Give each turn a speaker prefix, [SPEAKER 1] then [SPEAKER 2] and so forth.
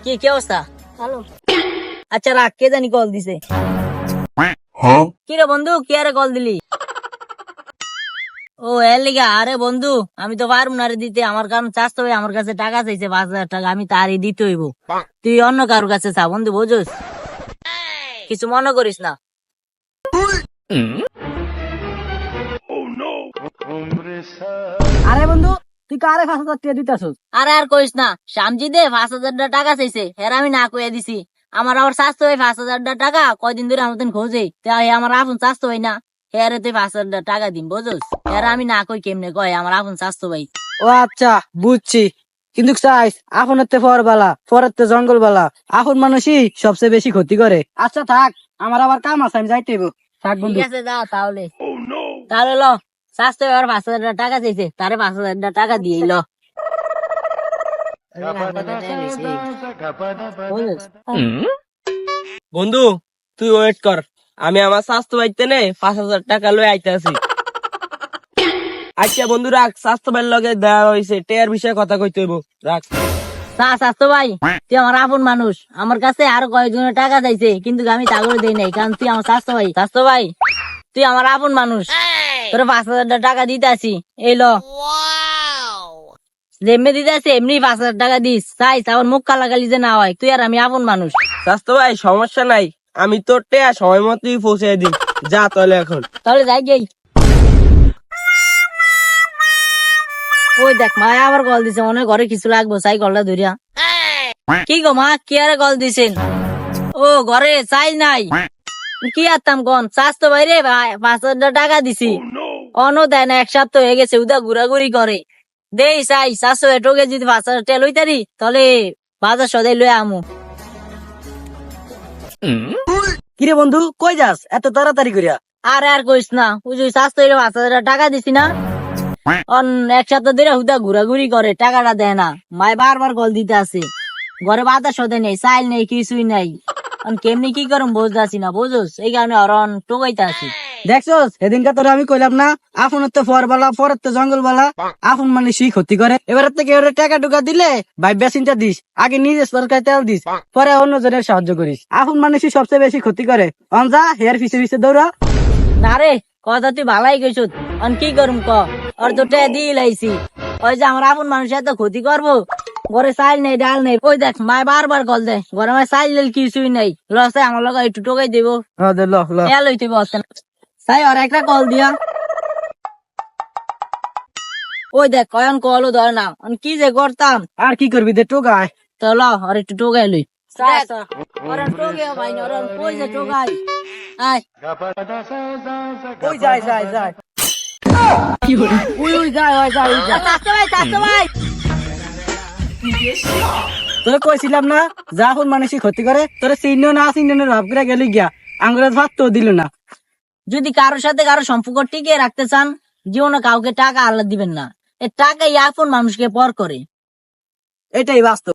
[SPEAKER 1] কি অবস্থা?
[SPEAKER 2] ভালো।
[SPEAKER 1] আচ্ছা রাখ, কে জানি কল দিছে। কি রে বন্ধু, কি আরে কল দিলি? ও এর লিগা? আরে বন্ধু, আমি তো পারবো না রে দিতে, আমার কারণ চাষতে হবে, আমার কাছে টাকা চাইছে 5,000 টাকা, আমি তারই দিতে হইব। তুই অন্য কারোর কাছে চা বন্ধু, বুঝোস? কিছু মনে করিস না।
[SPEAKER 2] আরে বন্ধু, তুই কারে 5,000 টাকা দিতেছস?
[SPEAKER 1] আরে আর কইস না, শ্যামজি দে 5,000 টাকা চাইছে, হের আমি না কইয়া দিছি। আমার আবার চাষতে হয় 5,000 টাকা, কয়দিন ধরে আমার খোঁজে, তাই আমার আপন চাষতে হয় না। হেরে তুই 5,000 টাকা দিন, বুঝোস? হের আমি না কই কেমনে কয় আমার আপন চাষতো ভাই।
[SPEAKER 2] ও আচ্ছা, বুঝছি। কিন্তু চাইস আফনের তে ফরবালা, ফরের তে জঙ্গল বালা, আফন মানুষই সবচেয়ে বেশি ক্ষতি করে। আচ্ছা থাক, আমার আবার কাম আছে, আমি যাইতে হইব। থাক
[SPEAKER 1] ঠিক
[SPEAKER 2] বন্ধু।
[SPEAKER 1] আছে যা তাহলে। তাহলে ল, চাষতে এবার 5,000 টাকা চাইছে, তারে 5,000 টাকা দিয়ে ল। বুঝোস?
[SPEAKER 3] বন্ধু, তুই ওয়েট কর, আমি আমার স্বাস্থ্য বাইতে নে 5,000 টাকা লয়ে আইতাছি। আচ্ছা বন্ধু রাখ, স্বাস্থ্য বাইর লগে দেওয়া হয়েছে, টেয়ার বিষয়ে কথা কইতে হইব, রাখ।
[SPEAKER 1] স্বাস্থ্য ভাই, তুই আমার আপন মানুষ, আমার কাছে আরো কয়েকজনের টাকা চাইছে, কিন্তু আমি তা করে দেই নাই, কারণ তুই আমার স্বাস্থ্য ভাই। স্বাস্থ্য ভাই, তুই আমার আপন মানুষ, তোর 5,000 টাকা দিতে আসি, এই ল। যেমনি দিতে আসি এমনি 5,000 টাকা দিস, চাই আমার মুখ কালাকালি যে না হয়, তুই আর আমি আপন মানুষ।
[SPEAKER 3] স্বাস্থ্য ভাই সমস্যা নাই, আমি তোর টেয়া সময় মতোই পৌঁছে দিই, যা তাহলে এখন।
[SPEAKER 1] তাহলে যাই গেই। ওই দেখ মা আবার কল দিছে, মনে হয় ঘরে কিছু লাগবো, চাই কলটা ধরিয়া। কি গো মা, কি আরে কল দিছেন? ও ঘরে চাই নাই, কি আত্মাম কন স্বাস্থ্য ভাই রে ভাই, 5,000 টাকা দিছি, অন দেয় না, এক সপ্তাহ হয়ে গেছে, উদা ঘুরাঘুরি করে। দেই চাই স্বাস্থ্য ভাই টোকে যদি 5,000 টাকা লইতারি, তাহলে বাজার সদাই লই আমু।
[SPEAKER 2] কিরে বন্ধু, কই যাস এত তাড়াতাড়ি করিয়া?
[SPEAKER 1] আরে আর কইস না, ওই যে স্বাস্থ্য ভাই 5,000 টাকা দিছি না, অন এক সপ্তাহ ধরে হুদা ঘুরাঘুরি করে, টাকাটা দেয় না। মায় বারবার কল দিতে আছে, ঘরে বাতাস সদে নেই, চাইল নেই, কিছুই নাই। কেমনি কি করুম বুঝতেছি না, বুঝোস? এই কারণে অরন টোকাইতে আছি।
[SPEAKER 2] দেখছস সেদিনকে তোরা আমি কইলাম না, আফনের তো ফরবালা, ফরের তো জঙ্গল বালা, আফন মানুষই ক্ষতি করে। এবার থেকে ওরা টাকা টুকা দিলে ভাইবা চিন্তা দিস, আগে নিজে সরকার তেল দিস, পরে অন্য জনের সাহায্য করিস। আফন মানুষই সবচেয়ে বেশি ক্ষতি করে। অনজা হেয়ার পিছে পিছে দৌড়া।
[SPEAKER 1] না রে, কথা তুই ভালাই কইছ, অন কি করুম ক? ওর তো টে দিয়ে লাইছি, ওই যে আমার আপন মানুষ এত ক্ষতি করবো, ঘরে চাইল নেই, ডাল নেই। ওই দেখ মায় বারবার কল দেয়, ঘরে মায় চাইল নেই, কিছুই নেই। লসে আমার লগে একটু টোকাই দিব, এ লইতে বসছেন। তাই ওর একটা কল দিয়া। ওই দেখ কয়ন কলও ধরে না, কি যে করতাম।
[SPEAKER 2] আর কি করবি দে টোকায়।
[SPEAKER 1] তো ল আর একটু টোকাই লই। কই যে টোকাই, আয়
[SPEAKER 2] ওই যায় যায় যায়।
[SPEAKER 1] উই উই যায়, ওই যায়, ওই যায়। চাচা ভাই, চাচা ভাই।
[SPEAKER 2] তোরা কইছিলাম না, যা আফন মানুষই ক্ষতি করে, তোরা চিহ্ন না চিহ্ন ভাব করে গেলি গিয়া, আঙ্গুরের ভাত তো দিল না।
[SPEAKER 1] যদি কারোর সাথে কারো সম্পর্ক টিকিয়ে রাখতে চান, জীবনে কাউকে টাকা আল্লাহ দিবেন না। এ টাকা আপন মানুষকে পর করে।
[SPEAKER 2] এটাই বাস্তব।